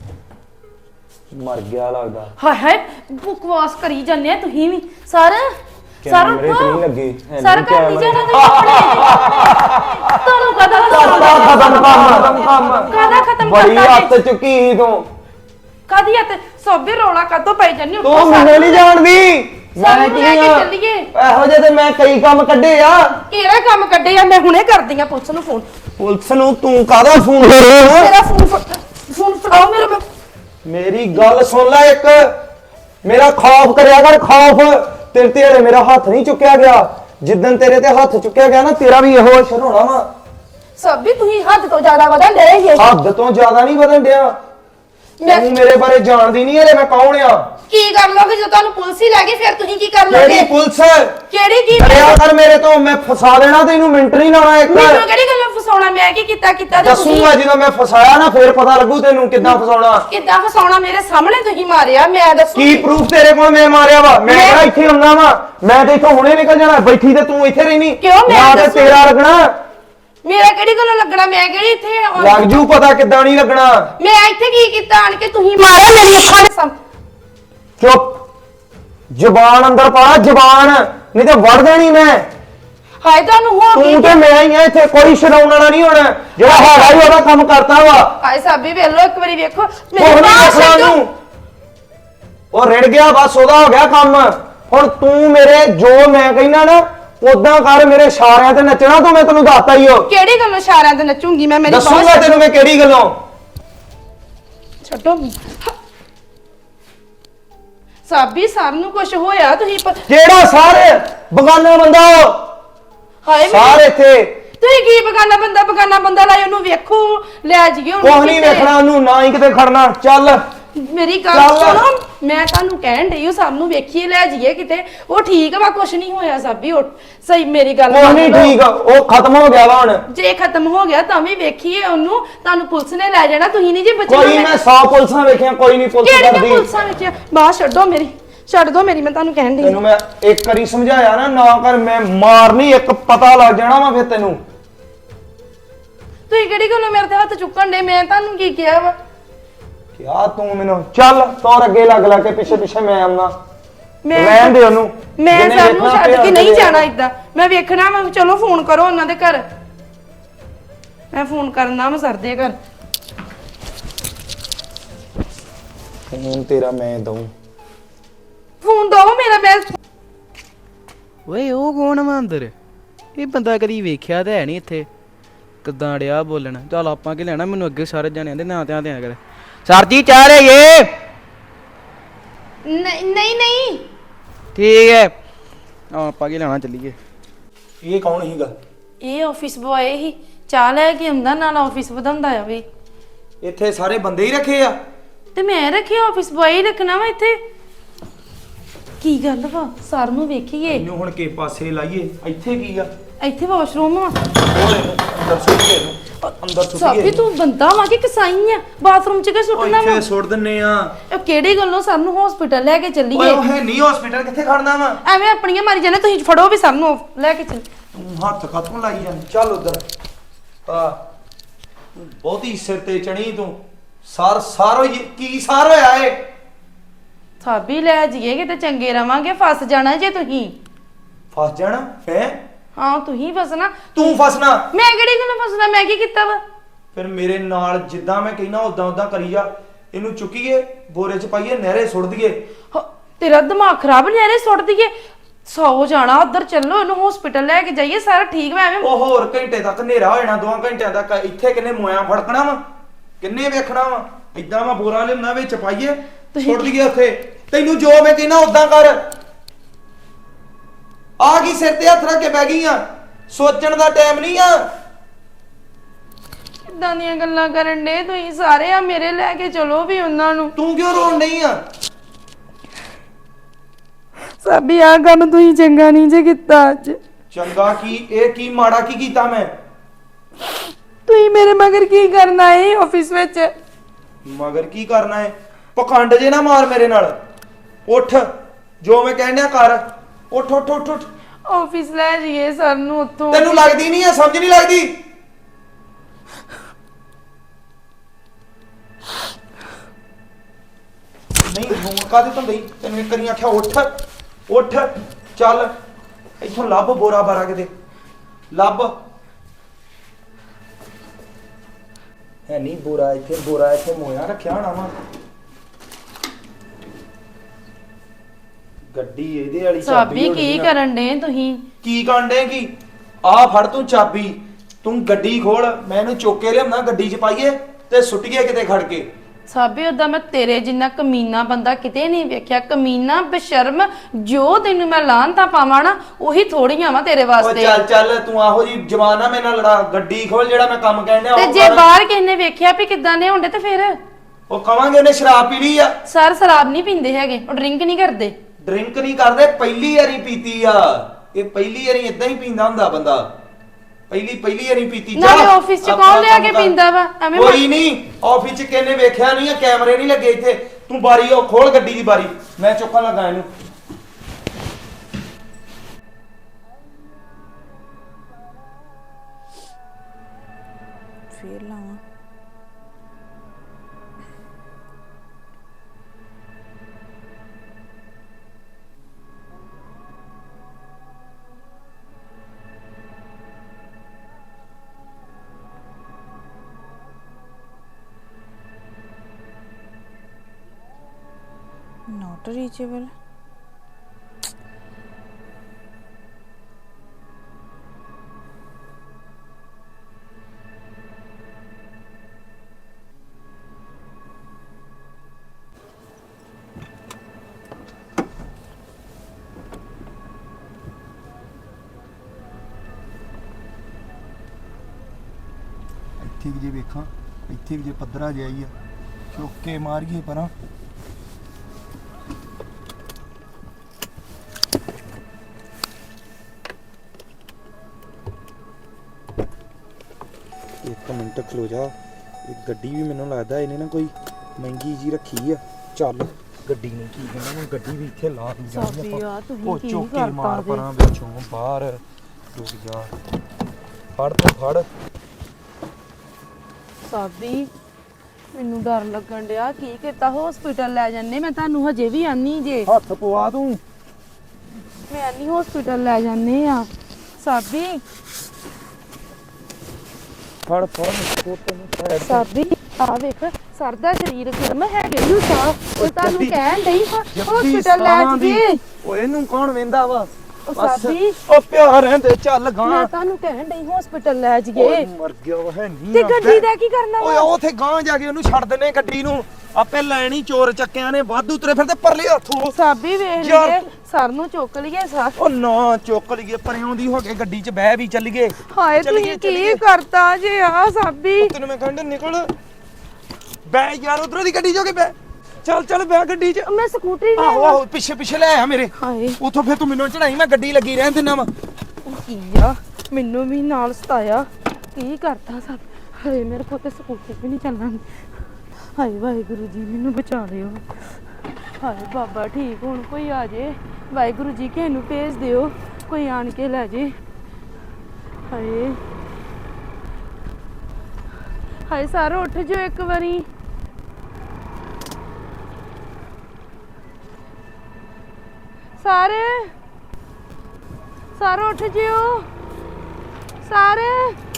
ਮਰ ਗਿਆ ਲੱਗਦਾ। ਹਾਏ ਹਾਏ ਬਕਵਾਸ ਕਰੀ ਜਾਂਦੇ ਆ ਤੁਸੀਂ ਵੀ। ਸਰ ਸਰ ਕੈਮਰੇ ਤੇ ਨਹੀਂ ਲੱਗੇ। ਸਰ ਕਰਦੀ ਜਾਣਾ ਤੁਸੀਂ ਆਪਣੇ। ਤੁਹਾਨੂੰ ਕਦਾ ਖਤਮ ਕੰਮ ਕਾਹਦਾ ਖਤਮ ਬੜੀ ਕਰਤਾ ਹੱਥ ਚੁੱਕੀ ਸੀ ਤੂੰ। ਕਾਦੀ ਹੱਥ ਸੋਬੇ ਰੌਲਾ ਕਦੋਂ ਪਈ ਜਾਂਦੀ? ਤੂੰ ਮੈਨੂੰ ਨਹੀਂ ਜਾਣਦੀ। ਮੈਂ ਕੀ ਲੈ ਕੇ ਆ? ਚੱਲੀਏ। ਇਹੋ ਜਿਹੇ ਤੇ ਮੈਂ ਕਈ ਕੰਮ ਕੱਢੇ ਆ। ਕਿਹੜਾ ਕੰਮ ਕੱਢੇ ਆ? ਮੈਂ ਹੁਣੇ ਕਰਦੀ ਆ ਪੁਲਿਸ ਨੂੰ ਫੋਨ। ਪੁਲਿਸ ਨੂੰ ਤੂੰ ਕਾਹਦਾ ਫੋਨ ਕਰ ਰਿਹਾ ਹੈ? ਮੇਰਾ ਫੋਨ ਫੜਾਓ ਮੇਰਾ। ਮੇਰੀ ਗੱਲ ਸੁਣ ਲੈ ਇੱਕ, ਮੇਰਾ ਖੌਫ ਕਰਿਆ ਕਰ ਖੌਫ। ਤੇਰੇ ਤੇ ਹਲੇ ਮੇਰਾ ਹੱਥ ਨਹੀਂ ਚੁੱਕਿਆ ਗਿਆ, ਜਿੱਦਣ ਤੇਰੇ ਤੇ ਹੱਥ ਚੁੱਕਿਆ ਗਿਆ ਨਾ ਤੇਰਾ ਵੀ ਇਹੋ ਅਸਰ ਹੋਣਾ ਵਾ। ਸਾਬੀ ਤੁਸੀਂ ਹੱਦ ਤੋਂ ਜ਼ਿਆਦਾ ਵਧਣ ਡਏ ਜੇ। ਹੱਦ ਤੋਂ ਜ਼ਿਆਦਾ ਨਹੀਂ ਵਧਣ ਡਿਆ। ਤੂੰ ਮੇਰੇ ਬਾਰੇ ਜਾਣਦੀ ਨਹੀਂ ਹਲੇ ਮੈਂ ਕੌਣ ਆ। ਕੀ ਕਰ ਲੋਗੇ ਜੇ ਤੁਹਾਨੂੰ ਪੁਲਿਸ ਹੀ ਲੈ ਗਈ ਫਿਰ ਤੁਸੀਂ ਕੀ ਕਰ ਲੋਗੇ? ਕਿਹੜੀ ਪੁਲਿਸ? ਕਿਹੜੀ ਕੀ ਕਰਿਆ ਕਰ ਮੇਰੇ ਤੋਂ, ਮੈਂ ਫਸਾ ਦੇਣਾ ਤੈਨੂੰ, ਮਿੰਟ ਨਹੀਂ ਲਾਉਣਾ ਇੱਕ। ਮੈਨੂੰ ਕਿਹੜੀ ਗੱਲੋਂ ਫਸਾਉਣਾ? ਮੈਂ ਕੀ ਕੀਤਾ ਤੇ ਦੱਸੂਗਾ ਜਦੋਂ ਮੈਂ ਫਸਾਇਆ ਨਾ ਫੇਰ ਪਤਾ ਲੱਗੂ ਤੈਨੂੰ ਕਿੱਦਾਂ ਫਸਾਉਣਾ। ਕਿੱਦਾਂ ਫਸਾਉਣਾ? ਮੇਰੇ ਸਾਹਮਣੇ ਤੁਸੀਂ ਮਾਰਿਆ, ਮੈਂ ਦੱਸੂ ਕੀ ਪ੍ਰੂਫ ਤੇਰੇ ਕੋਲ ਮੈਂ ਮਾਰਿਆ ਵਾ? ਮੈਂ ਕਿਹੜਾ ਇੱਥੇ ਆਉਣਾ ਵਾ? ਮੈਂ ਤੇ ਇੱਥੋਂ ਹੁਣੇ ਨਿਕਲ ਜਾਣਾ, ਬੈਠੀ ਤੇ ਤੂੰ ਇੱਥੇ ਰਹਿਣੀ। ਕਿਉਂ? ਮੈਂ ਨਾ ਤੇ ਦੱਸੂ। ਤੇਰਾ ਲੱਗਣਾ। ਮੇਰਾ ਕਿਹੜੀ ਗੱਲੋਂ ਲੱਗਣਾ? ਮੈਂ ਕਿਹੜੀ ਇੱਥੇ ਲੱਗ ਜੂ ਪਤਾ ਕਿੱਦਾਂ ਨਹੀਂ ਲੱਗਣਾ। ਮੈਂ ਇੱਥੇ ਕੀ ਕੀਤਾ ਆਣ ਕੇ? ਤੁਸੀਂ ਮਾਰਿਆ ਮੇਰੀ ਅੱਖਾਂ ਦੇ ਸਾਹਮਣੇ। ਚੁੱਪ, ਜ਼ਬਾਨ ਅੰਦਰ ਪਾ, ਜ਼ਬਾਨ ਨਹੀਂ ਤੇ ਵੜ ਦੇਣੀ ਮੈਂ। ਹਾਏ ਤੁਹਾਨੂੰ ਹੋ ਤੂੰ ਗਈ। ਤੇ ਮੈਂ ਹੀ ਆ ਇੱਥੇ, ਕੋਈ ਛਡਾਉਣ ਵਾਲਾ ਨਹੀਂ ਹੋਣਾ। ਜਿਹੜਾ ਹੈਗਾ ਹੀ ਉਹਦਾ ਕੰਮ ਕਰਤਾ ਵਾ। ਹਾਏ ਸਾਬੀ ਵੇਖ ਲਓ ਇੱਕ ਵਾਰੀ ਵੇਖੋ ਉਹ ਨਹੀਂ ਦੇਖਣਾ ਛੱਡੋ। ਉਹਨੂੰ। ਉਹ ਰਿੜ ਗਿਆ ਬਸ, ਉਹਦਾ ਹੋ ਗਿਆ ਕੰਮ। ਹੁਣ ਤੂੰ ਮੇਰੇ ਜੋ ਮੈਂ ਕਹਿਣਾ ਨਾ ਉਦਾਂ ਕਰ, ਮੇਰੇ ਇਸ਼ਾਰਿਆਂ ਤੇ ਨੱਚਣਾ ਤੂੰ, ਮੈਂ ਤੈਨੂੰ ਦੱਸਤਾ ਹੀ ਹੋ। ਕਿਹੜੀ ਗੱਲੋਂ ਇਸ਼ਾਰਿਆਂ ਤੇ ਨੱਚੂਗੀ ਮੈਂ? ਮੇਰੀ ਦੱਸੂਗਾ ਤੈਨੂੰ ਮੈਂ ਕਿਹੜੀ ਗੱਲੋਂ। ਛੱਡੋ ਸਾਬੀ, ਸਰ ਨੂੰ ਕੁਝ ਹੋਇਆ ਤੁਸੀਂ ਕਿਹੜਾ ਸਾਰੇ ਬਗਾਨਾ ਬੰਦਾ ਉਹ? ਹਾਏ ਸਾਰੇ ਇੱਥੇ ਤੁਸੀਂ ਕੀ ਬਗਾਨਾ ਬੰਦਾ ਲਾਇਆ? ਉਹਨੂੰ ਵੇਖੋ, ਲੈ ਜਾਈਏ ਉਹਨੂੰ। ਕੁਛ ਨਹੀਂ ਕਿਤੇ। ਵੇਖਣਾ ਉਹਨੂੰ, ਨਾ ਹੀ ਕਿਤੇ ਖੜਨਾ। ਚੱਲ ਮੇਰੀ ਗੱਲ ਚੱਲ। ਸੁਣੋ, ਮੈਂ ਤੁਹਾਨੂੰ ਕਹਿਣ ਡਈ ਹਾਂ ਸਰ ਨੂੰ ਵੇਖੀਏ, ਲੈ ਜਾਈਏ ਕਿਤੇ। ਉਹ ਠੀਕ ਵਾ, ਕੁਝ ਨਹੀਂ ਹੋਇਆ ਸਾਬੀ। ਉਹ ਸਹੀ, ਮੇਰੀ ਗੱਲ ਕੁਛ ਨਹੀਂ ਮੰਨ ਲਓ। ਠੀਕ, ਉਹ ਖਤਮ ਹੋ ਗਿਆ ਵਾ ਹੁਣ। ਜੇ ਖਤਮ ਹੋ ਗਿਆ ਤਾਂ ਵੀ ਵੇਖੀਏ ਉਹਨੂੰ, ਤੁਹਾਨੂੰ ਪੁਲਿਸ ਨੇ ਲੈ ਜਾਣਾ, ਤੁਸੀਂ ਨਹੀਂ ਜੀ ਬਚਣਾ। ਕੋਈ ਮੈਂ 100 ਪੁਲਿਸਾਂ ਵੇਖੀਆਂ, ਕੋਈ ਨਹੀਂ ਪੁਲਿਸ ਕਿਹੜੀਆਂ ਕਰਦੀ। ਪੁਲਿਸਾਂ ਵਿੱਚ ਬਾਹਰ ਛੱਡੋ ਮੇਰੀ, ਛੱਡ ਦੋ ਮੇਰੀ, ਮੈਂ ਤੁਹਾਨੂੰ ਕਹਿਣ ਡਈ ਤੈਨੂੰ ਮੈਂ ਇੱਕ ਵਾਰੀ ਸਮਝਾਇਆ ਨਾ ਕਰ, ਮੈਂ ਮਾਰਨੀ ਇੱਕ ਪਤਾ ਲੱਗ ਜਾਣਾ ਵਾ ਫਿਰ ਤੈਨੂੰ। ਤੁਸੀਂ ਕਿਹੜੀ ਗੱਲੋਂ ਮੇਰੇ ਤੇ ਹੱਥ ਚੁੱਕਣ ਦੇ? ਮੈਂ ਤੁਹਾਨੂੰ ਕੀ ਕਿਹਾ ਵਾ? ਕਿਆ ਤੂੰ ਮੈਨੂੰ ਚੱਲ ਤੋਰ ਅੱਗੇ ਲੱਗ ਕੇ ਪਿੱਛੇ ਪਿੱਛੇ ਮੈਂ ਆਉਣਾ। ਮੈਂ ਰਹਿਣ ਦੇ ਉਹਨੂੰ। ਮੈਂ ਜਿਹਨੇ ਸਰ ਨੂੰ ਵੇਖਣਾ ਛੱਡ ਕੇ ਪਿਆ ਨਹੀਂ ਉਹਦੇ ਜਾਣਾ ਇਦਾਂ। ਮੈਂ ਵੇਖਣਾ ਵਾ, ਚਲੋ ਫੋਨ ਕਰੋ ਉਹਨਾਂ ਦੇ ਘਰ। ਮੈਂ ਫੋਨ ਕਰਨਾ ਵਾ ਸਰ ਦੇ ਘਰ। ਫੋਨ ਤੇਰਾ ਮੈਂ ਦਊਂ। ਫੋਨ ਦੋ ਮੇਰਾ। ਮੈਂ ਓਏ ਉਹ ਕੌਣ ਵਾ ਅੰਦਰ? ਇਹ ਬੰਦਾ ਕਦੀ ਵੇਖਿਆ ਤਾਂ ਹੈ ਨਹੀਂ ਇੱਥੇ। ਕਿੱਦਾਂ ਡਿਆ ਬੋਲਣ? ਚੱਲ ਆਪਾਂ ਕੀ ਲੈਣਾ, ਮੈਨੂੰ ਅੱਗੇ ਸਾਰੇ ਜਾਣਿਆਂ ਦੇ ਨਾਂ ਧਿਆਨ ਦਿਆ ਕਰ। ਸਰ ਜੀ ਚਾਹ ਰਹੇ ਇਹ? ਨਹੀਂ ਠੀਕ ਹੈ, ਆਪਾਂ ਕੀ ਲੈਣਾ, ਚੱਲੀਏ। ਇਹ ਕੌਣ ਸੀਗਾ? ਇਹ ਆਫਿਸ ਬੁਆਏ ਹੀ, ਚਾਹ ਲੈ ਕੇ ਆਉਂਦਾ, ਨਾਲ ਆਫਿਸ ਵਧਾਉਂਦਾ ਆ ਵੀ। ਇੱਥੇ ਸਾਰੇ ਬੰਦੇ ਹੀ ਰੱਖੇ ਆ? ਤੇ ਮੈਂ ਰੱਖਿਆ ਆਫਿਸ ਬੁਆਏ ਹੀ ਰੱਖਣਾ ਵਾ ਇੱਥੇ। ਕੀ ਗੱਲ ਵਾ? ਸਰ ਨੂੰ ਵੇਖੀਏ। ਇਹਨੂੰ ਹੁਣ ਕੇ ਪਾਸੇ ਲਾਈਏ। ਇੱਥੇ ਕੀ ਆ? ਇੱਥੇ ਵਾਸ਼ਰੂਮ ਵਾ। ਅੰਦਰ ਸੁੱਟੀਏ ਇਹਨੂੰ, ਅੰਦਰ ਸਾਬੀ ਸੁੱਟੀਏ। ਤੂੰ ਬੰਦਾ ਵਾ ਕਿ ਕਸਾਈ ਆ? ਬਾਥਰੂਮ ਚ ਕਿ ਸੁੱਟਣਾ ਵਾ? ਇੱਥੇ ਸੁੱਟ ਦਿੰਨੇ ਆ। ਇਹ ਕਿਹੜੀ ਗੱਲੋਂ ਸਰ ਨੂੰ ਹਸਪੀਟਲ ਲੈ ਕੇ ਓਏ ਚੱਲੀਏ? ਉਹ ਹੈ ਨਹੀਂ ਹਸਪੀਟਲ, ਕਿੱਥੇ ਖੜਨਾ ਵਾ? ਐਵੇਂ ਆਪਣੀਆਂ ਮਾਰੀ ਜਾਂਦੇ, ਤੁਸੀਂ ਫੜੋ ਵੀ ਸਰ ਨੂੰ ਲੈ ਕੇ ਚੱਲ। ਤੂੰ ਹੱਥ ਕਾਤੋਂ ਲਾਈ ਜਾਂਦੀ? ਚੱਲ ਉਧਰ ਆ। ਬਹੁਤੀ ਸਿਰ ਤੇ ਚੜੀ ਤੂੰ। ਸਾਰ ਕੀ ਸਾਰ ਹੋਇਆ ਏ? ਸਾਬੀ ਲੈ ਜਾਈਏ ਕਿਤੇ, ਚੰਗੇ ਰਵਾਂਗੇ। ਫਸ ਜਾਣਾ ਜੇ ਤੁਸੀਂ। ਫਸ ਜਾਣਾ ਹੈ? ਹਾਂ ਤੁਸੀਂ ਫਸਣਾ। ਤੂੰ ਫਸਣਾ? ਮੈਂ ਕਿਹੜੀ ਗੱਲੋਂ ਫਸਣਾ? ਮੈਂ ਕੀ ਕੀਤਾ ਵਾ? ਫਿਰ ਮੇਰੇ ਨਾਲ ਜਿੱਦਾਂ ਮੈਂ ਕਹਿਣਾ ਉਦਾਂ ਕਰੀ ਜਾ। ਇਹਨੂੰ ਚੁੱਕੀਏ, ਬੋਰੇ 'ਚ ਪਾਈਏ, ਨਹਿਰੇ ਸੁੱਟ ਦਈਏ। ਤੇਰਾ ਦਿਮਾਗ ਖਰਾਬ ਨਹੀਂ? ਐਰੇ ਸੁੱਟ ਦਈਏ? 100 ਜਾਣਾ ਉਧਰ, ਚੱਲੋ ਇਹਨੂੰ ਹਸਪੀਟਲ ਲੈ ਕੇ ਜਾਈਏ, ਸਾਰਾ ਠੀਕ ਵਾ। ਐਵੇਂ ਉਹ ਹੋਰ ਘੰਟੇ ਤੱਕ ਹਨੇਰਾ ਹੋ ਜਾਣਾ, 2 ਘੰਟਿਆਂ ਤੱਕ। ਇੱਥੇ ਕਿੰਨੇ ਮੋਇਆਂ ਫੜਕਣਾ ਵਾ, ਕਿੰਨੇ ਵੇਖਣਾ ਵਾ। ਏਦਾਂ ਮੈਂ ਬੋਰਾ ਲਿਆਉਣਾ, ਵਿੱਚ ਪਾਈਏ, ਸੁੱਟ ਦਈਏ ਉੱਥੇ। ਤੈਨੂੰ ਜੋ ਮੈਂ ਕਹਿਣਾ ਉਦਾਂ ਕਰ। ਆ ਕੀ ਸਿਰ ਤੇ ਹੱਥ ਰੱਖ ਕੇ ਬਹਿ ਗਈ ਆ? ਸੋਚਣ ਦਾ ਟਾਈਮ ਨਹੀਂ ਆ। ਕਿੱਦਾਂ ਦੀਆਂ ਗੱਲਾਂ ਕਰਨ ਦੇ ਤੁਸੀਂ ਸਾਰੇ? ਆ ਮੇਰੇ ਲੈ ਕੇ ਚਲੋ ਵੀ ਉਹਨਾਂ ਨੂੰ। ਤੂੰ ਕਿਉਂ ਰੋਣ ਨਹੀਂ ਆ? ਸਾਬੀ ਆ ਕੰਮ ਤੁਸੀਂ ਚੰਗਾ ਨਹੀਂ ਜੇ ਕੀਤਾ ਅੱਜ। ਚੰਗਾ ਕੀ? ਇਹ ਕੀ ਮਾੜਾ ਕੀ ਕੀਤਾ ਮੈਂ? ਤੁਸੀਂ ਮੇਰੇ ਮਗਰ ਕੀ ਕਰਨਾ ਏ ਆਫਿਸ ਵਿੱਚ? ਮਗਰ ਕੀ ਕਰਨਾ ਹੈ? ਪਖੰਡ ਜੇ ਨਾ ਮਾਰ ਮੇਰੇ ਨਾਲ। ਉੱਠ, ਜੋ ਮੈਂ ਕਹਿਣਿਆ ਕਰ। ਉੱਠ ਉੱਠ ਉੱਠ ਉੱਠ। ਆਫਿਸ ਲੈ ਜਾਈਏ ਸਰ ਨੂੰ ਉੱਥੋਂ। ਤੈਨੂੰ ਲੱਗਦੀ ਨਹੀਂ ਆ, ਸਮਝ ਨਹੀਂ ਲੱਗਦੀ? ਨਹੀਂ ਰੋਣ ਕਾਹਦੇ ਤੋਂ ਦਈ? ਤੈਨੂੰ ਇੱਕ ਵਾਰੀ ਆਖਿਆ ਉੱਠ ਉੱਠ। ਚੱਲ ਇੱਥੋਂ ਲੱਭ ਬੋਰਾ ਬਾਰਾ ਕਿਤੇ ਲੱਭ। ਹੈ ਨਹੀਂ ਬੋਰਾ ਇੱਥੇ, ਬੋਰਾ ਇੱਥੇ ਮੋਇਆ ਰੱਖਿਆ ਹੋਣਾ ਵਾ। ਗੱਡੀ ਇਹਦੇ ਵਾਲੀ ਸਾਬੀ ਹੋਣੀ ਕੀ ਆ। ਕਰਨ ਦੇ ਤੁਸੀਂ? ਕੀ ਕਰਨ ਡੇ? ਕੀ ਆ ਫੜ ਤੂੰ ਚਾਬੀ। ਤੂੰ ਗੱਡੀ ਖੋਲ, ਮੈਂ ਇਹਨੂੰ ਚੁੱਕ ਕੇ ਲਿਆਉਣਾ, ਗੱਡੀ 'ਚ ਪਾਈਏ ਤੇ ਸੁੱਟੀਏ ਕਿਤੇ ਖੜ ਕੇ। ਸਾਬੇ ਉਦਾਂ ਮੈਂ ਤੇਰੇ ਜਿੰਨਾ ਕਮੀਨਾ ਬੰਦਾ ਕਿਤੇ ਨਹੀਂ ਵੇਖਿਆ। ਕਮੀਨਾ ਬੇਸ਼ਰਮ, ਜੋ ਤੈਨੂੰ ਮੈਂ ਲਾਹਨਤਾਂ ਪਾਵਾਂ ਨਾ ਉਹੀ ਥੋੜੀਆਂ ਵਾ ਤੇਰੇ ਓ ਵਾਸਤੇ। ਚੱਲ ਤੂੰ ਆਹੋ ਜੀ ਜਵਾਨ ਆ, ਮੇਰੇ ਨਾਲ ਲੜਾ। ਗੱਡੀ ਖੋਲ, ਜਿਹੜਾ ਮੈਂ ਕੰਮ ਕਹਿਣ ਡਿਆ ਤੇ ਉਹ ਜੇ ਕਰ। ਬਾਹਰ ਕਿਸੇ ਨੇ ਵੇਖਿਆ ਵੀ ਕਿੱਦਾਂ ਦੇ ਹੁੰਦੇ ਤੇ ਫਿਰ ਉਹ ਕਵਾਂਗੇ ਉਹਨੇ ਸ਼ਰਾਬ ਪੀ ਲਈ ਆ। ਸਰ ਸ਼ਰਾਬ ਨਹੀਂ ਪੀਂਦੇ ਹੈਗੇ, ਉਹ ਡਰਿੰਕ ਨਹੀਂ ਕਰਦੇ। ਡਰਿੰਕ ਨਹੀਂ ਕਰਦੇ, ਪਹਿਲੀ ਵਾਰੀ ਪੀਤੀ ਆ ਇਹ। ਪਹਿਲੀ ਵਾਰੀ ਇਦਾਂ ਹੀ ਪੀਂਦਾ ਹੁੰਦਾ ਬੰਦਾ, ਪਹਿਲੀ ਵਾਰੀ ਪੀਤੀ। ਨਾਲੇ ਆਫਿਸ 'ਚ ਕੌਣ ਲਿਆ ਕੇ ਪੀਂਦਾ ਵਾ? ਐਵੇਂ ਕੋਈ ਨਹੀਂ, ਆਫਿਸ 'ਚ ਕਿਹਨੇ ਵੇਖਿਆ ਨਹੀਂ ਆ, ਕੈਮਰੇ ਨਹੀਂ ਲੱਗੇ ਇੱਥੇ। ਤੂੰ ਬਾਰੀ ਉਹ ਖੋਲ, ਗੱਡੀ ਦੀ ਬਾਰੀ, ਮੈਂ ਚੁੱਕਣ ਲੱਗਾ ਇਹਨੂੰ। ਫੇਰ ਲਾਵਾਂ। Not reachable. ਇੱਥੇ ਵੀ ਜੇ ਵੇਖਾਂ, ਇੱਥੇ ਵੀ ਜੇ ਪੱਧਰਾ ਜਿਹਾ ਹੀ ਆ, ਚੁੱਕ ਕੇ ਮਾਰੀਏ ਪਰਾਂ। ਇੱਕ ਮਿੰਟ ਖਲੋ ਜਾ, ਇਹ ਗੱਡੀ ਵੀ ਮੈਨੂੰ ਲੱਗਦਾ ਇਹਨੇ ਨਾ ਕੋਈ ਮਹਿੰਗੀ ਜੀ ਰੱਖੀ ਆ। ਚੱਲ ਗੱਡੀ ਨੂੰ ਕੀ ਕਹਿੰਦਾ, ਮੈਂ ਗੱਡੀ ਵੀ ਇੱਥੇ ਲਾ ਦੀ ਜਾਂਦੀ ਆਪਾਂ। ਉਹ ਚੁੱਕ ਕੇ ਮਾਰ ਪਰਾਂ ਵਿੱਚੋਂ ਬਾਹਰ। ਰੁਕ ਜਾ, ਫੜ ਤੂੰ ਫੜ। ਸਾਬੀ ਮੈਨੂੰ ਡਰ ਲੱਗਣ ਡਿਆ, ਕੀ ਕੀਤਾ? ਹਸਪੀਟਲ ਲੈ ਜੰਨੇ, ਮੈਂ ਤੁਹਾਨੂੰ ਹਜੇ ਵੀ ਆਨੀ ਜੇ। ਹੱਥ ਪਵਾ ਤੂੰ। ਮੈਂ ਆਨੀ ਹਸਪੀਟਲ ਲੈ ਜੰਨੇ ਆ। ਸਾਬੀ ਫੜ ਤੈਨੂੰ ਸਾਈਡ ਸਾਬੀ ਆ ਵੇਖ, ਸਰ ਦਾ ਸਰੀਰ ਗਰਮ ਹੈਗੇ ਹੀ ਸਾਹ। ਉਹ ਤੁਹਾਨੂੰ ਕਹਿਣ ਡਈ ਹਸਪੀਟਲ ਲੈ ਜੀਏ। ਓਏ ਇਹਨੂੰ ਕੌਣ ਵੇਂਦਾ ਵਾ? ਉਹ ਸਾਬੀ ਉਹ ਪਿਆ ਰਹਿੰਦੇ, ਚੱਲ ਗਾਂ। ਮੈਂ ਤੁਹਾਨੂੰ ਕਹਿਣ ਡਈ ਹਸਪੀਟਲ ਲੈ ਜੀਏ। ਮਰ ਗਿਆ ਉਹ ਹੈ ਨਹੀਂ। ਤੇ ਗੱਡੀ ਦਾ ਕੀ ਕਰਨਾ ਓਏ ਵਾ? ਉਥੇ ਗਾਂ ਜਾ ਕੇ ਉਹਨੂੰ ਛੱਡ ਦਿੰਨੇ ਗੱਡੀ ਨੂੰ। ਆਪੇ ਲੈਣੀ, ਚੋਰ ਚੱਕਿਆਂ ਨੇ ਵਾਧੂ ਤੁਰੇ ਫਿਰਦੇ ਪਰਲੇ ਹੱਥੋਂ। ਸਾਬੀ ਵੇਖ ਯਾਰ ਲਈਏ, ਸਰ ਨੂੰ ਚੁੱਕ ਲਈਏ ਸਰ। ਉਹ ਨਾ ਚੁੱਕ ਲਈਏ, ਪਰਿਓਂ ਦੀ ਹੋ ਕੇ ਗੱਡੀ 'ਚ ਬਹਿ ਵੀ ਚੱਲੀਏ। ਹਾਏ ਤੁਸੀਂ ਕੀ ਕਰਤਾ ਜੇ ਆ ਸਾਬੀ? ਤੈਨੂੰ ਮੈਂ ਕਹਿੰਦਾ ਨਿਕਲ ਬਹਿ ਯਾਰ, ਉਧਰੋਂ ਦੀ ਗੱਡੀ 'ਚ ਹੋ ਕੇ ਬਹਿ। ਚੱਲ ਬਹਿ ਗੱਡੀ 'ਚ। ਮੈਂ ਸਕੂਟਰੀ ਲੈ ਆਹੋ ਪਿੱਛੇ ਲੈ ਆ ਮੇਰੇ। ਹਾਏ ਉਥੋਂ ਫਿਰ ਤੂੰ ਮੈਨੂੰ ਚੜਾਈ, ਮੈਂ ਗੱਡੀ ਲੱਗੀ ਰਹਿਣ ਦਿੰਦਾ ਵਾ। ਕੀ ਆ, ਮੈਨੂੰ ਵੀ ਨਾਲ ਸਤਾਇਆ। ਕੀ ਕਰਤਾ ਸਭ? ਹਾਏ ਮੇਰੇ ਕੋਲ ਤੇ ਸਕੂਟਰ ਵੀ ਨਹੀਂ ਚੱਲਣਾ। ਹਾਏ ਵਾਹਿਗੁਰੂ ਜੀ ਮੈਨੂੰ ਬਚਾ ਲਿਓ। ਹਾਏ ਬਾਬਾ ਠੀਕ ਹੁਣ ਕੋਈ ਆ ਜੇ। ਵਾਹਿਗੁਰੂ ਜੀ ਕਿਸੇ ਨੂੰ ਭੇਜ ਦਿਓ, ਕੋਈ ਆਣ ਕੇ ਲੈ ਜੇ। ਹਾਏ ਹਾਏ ਸਾਰੋ ਉੱਠ ਜਾਓ ਇੱਕ ਵਾਰੀ। ਸਾਰੇ ਉੱਠ ਜਿਓ ਸਾਰੇ।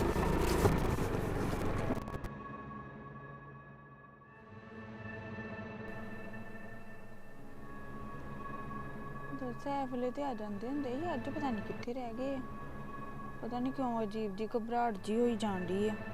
ਸੈਫਲੇ ਤੇ ਆ ਜਾਂਦੇ ਹੁੰਦੇ ਸੀ, ਅੱਜ ਪਤਾ ਨਹੀਂ ਕਿੱਥੇ ਰਹਿ ਗਏ ਆ। ਪਤਾ ਨਹੀਂ ਕਿਉਂ ਅਜੀਬ ਜੀ ਘਬਰਾਹਟ ਜੀ ਹੋਈ ਜਾਂਦੀ ਆ।